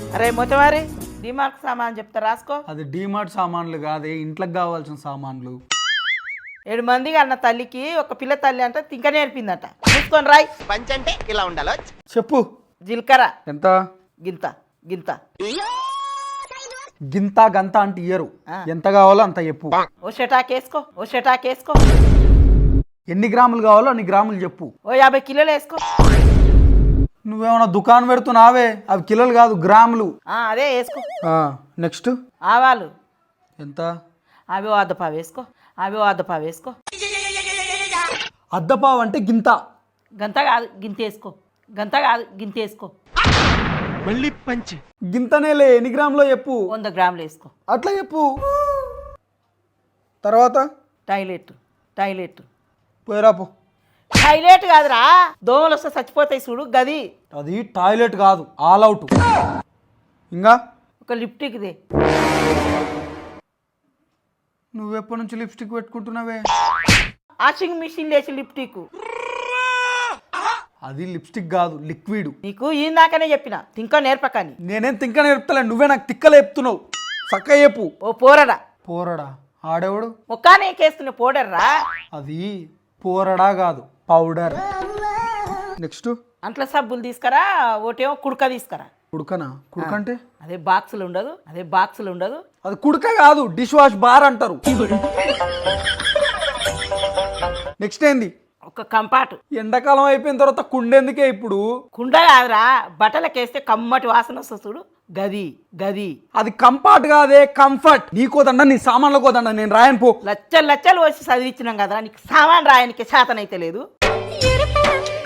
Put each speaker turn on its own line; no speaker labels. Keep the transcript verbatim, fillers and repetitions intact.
అరే మొత్తమారి డిమార్ట్ సామాన్ చెప్తా రాసుకో.
అది డిమార్ట్ సామాన్లు కాదే, ఇంట్లోకి కావాల్సిన సామాన్లు.
ఏడు మందికి అన్న తల్లికి ఒక పిల్ల తల్లి అంటే తింక నేర్పిందట. చూసుకొని రాయ్.
పంచ్ అంటే ఇలా ఉండాలో.
చెప్పు.
జీలకర్ర
ఎంత?
గింత గింత.
గింత గంత అంటే ఇయ్యరు, ఎంత కావాలో అంత చెప్పు.
ఓ షటాక్ వేసుకో, ఓ షటాక్ వేసుకో.
ఎన్ని గ్రాములు కావాలో అన్ని గ్రాములు చెప్పు.
ఓ యాభై కిలోలు వేసుకో.
నువ్వేమన్నా దుకాణం పెడుతున్నావే, అవి కిలోలు కాదు గ్రాములు.
అదే వేసుకో.
నెక్స్ట్
ఆవాలు
ఎంత?
అవి ఓ అద్దపావు వేసుకో, అవి ఓ అద్దపావు వేసుకో.
అద్దపావు అంటే గింత.
గంత కాదు గింత వేసుకో, గంత కాదు గింత వేసుకో.
మళ్ళీ పంచ్.
గింతనేలే, ఎన్ని గ్రాములో చెప్పు.
వంద గ్రాములు వేసుకో.
అట్లా చెప్పు. తర్వాత
టాయిలెట్ టాయిలెట్
పోయిరాపు.
టాయిలెట్ కాదురా, దోమలు వస్తే చచ్చిపోతాయి చూడు గది.
అది టాయిలెట్ కాదు, ఆల్ అవుట్. ఇంకా
ఒక లిప్టిక్ది.
నువ్వెప్పటి నుంచి లిప్స్టిక్ పెట్టుకుంటున్నావే?
వాషింగ్ మిషన్ లేచి లిప్టిక్.
అది లిప్స్టిక్ కాదు, లిక్విడ్.
నీకు ఇందాకనే చెప్పిన తింక నేర్పకని.
నేనేం తింక నేర్పుతలే, నువ్వే నాకు తిక్కలు చెప్తున్నావు. చక్క చెప్పు.
ఓ పోరడా.
పోరడా? ఆడేవాడు?
ముఖానే కేస్తున్న పౌడర్రా.
అది పోరడా కాదు, పౌడర్. నెక్స్ట్
అంట్ల సబ్బులు తీసుకురా, ఒకటేమో కుడక తీసుకురా.
కుడుకనా? కుడుక అంటే
అదే బాక్సులు ఉండదు, అదే బాక్సులు ఉండదు.
అది కుడుక కాదు, డిష్ వాష్ బార్ అంటారు. నెక్స్ట్ ఏంది?
ఒక కంపాటు.
ఎండాకాలం అయిపోయిన తర్వాత కుండెందుకే ఇప్పుడు?
కుండ కాదురా, బట్టలకేస్తే కమ్మటి వాసన వస్తుంది చూడు గది గది.
అది కంఫర్ట్ కాదే, కంఫర్ట్. నీకోదండ, నీ సామాన్లు కోదండ, నేను రాయను పో.
లచ్చలు లచ్చలు వచ్చి చదివించినాం కదరా, నీకు సామాన్ రాయనికి శాతనైతే లేదు.